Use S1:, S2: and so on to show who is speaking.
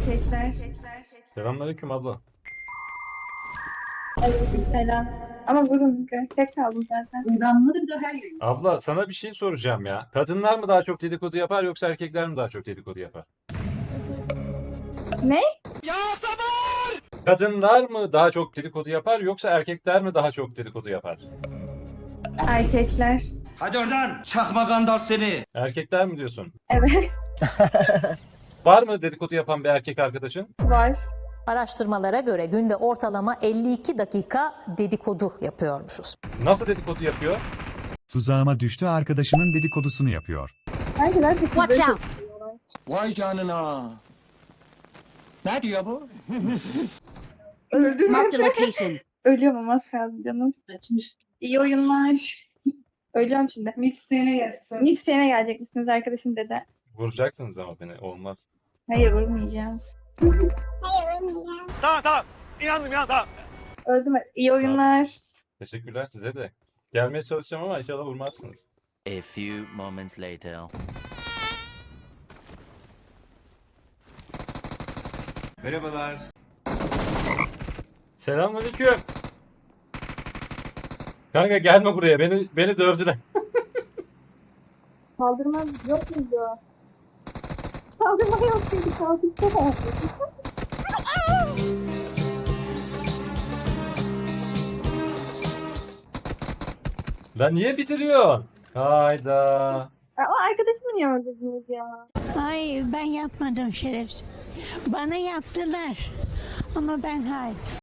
S1: Erkekler.
S2: Selamünaleyküm abla.
S1: Aleykümselam. Ama bugün tek kaldım zaten.
S3: Damları da her gün.
S2: Abla sana bir şey soracağım ya. Kadınlar mı daha çok dedikodu yapar yoksa erkekler mi daha çok dedikodu yapar?
S1: Ne?
S2: Kadınlar mı daha çok dedikodu yapar yoksa erkekler mi daha çok dedikodu yapar?
S1: Erkekler.
S4: Hadi oradan çakma gandal seni.
S2: Erkekler mi diyorsun?
S1: Evet.
S2: Var mı dedikodu yapan bir erkek arkadaşın?
S1: Var.
S5: Araştırmalara göre günde ortalama 52 dakika dedikodu yapıyormuşuz.
S2: Nasıl dedikodu yapıyor?
S6: Tuzağıma düştü arkadaşının dedikodusunu yapıyor.
S1: Erkekler de
S5: Watch out.
S4: Vay canına. Ne diyor bu?
S1: Öldüm.
S5: Marked a location.
S1: Ölüyorum ama az kaldı canım.
S3: Açmış.
S1: İyi oyunlar. Ölüyorum şimdi.
S3: Mixlerine gelsin.
S1: Mixtape'e gelecek misiniz arkadaşım dedi.
S2: Vuracaksınız ama beni. Olmaz.
S1: Hayır vurmayacağız.
S7: Tamam. İnandım ya tamam.
S1: Öldüm. İyi oyunlar.
S2: Teşekkürler size de. Gelmeye çalışacağım ama inşallah vurmazsınız.
S8: A few moments later.
S4: Merhabalar.
S2: Selamünaleyküm. Kanka gelme buraya. Beni dövdüler.
S1: Kaldırma yok muydu? Kaldırma yok muydu? Kaldırma.
S2: Lan niye bitiriyorsun? Hayda.
S1: Ama arkadaşımı niye öldürdünüz ya?
S9: Hayır ben yapmadım şerefsiz. Bana yaptılar. Ama ben hayır.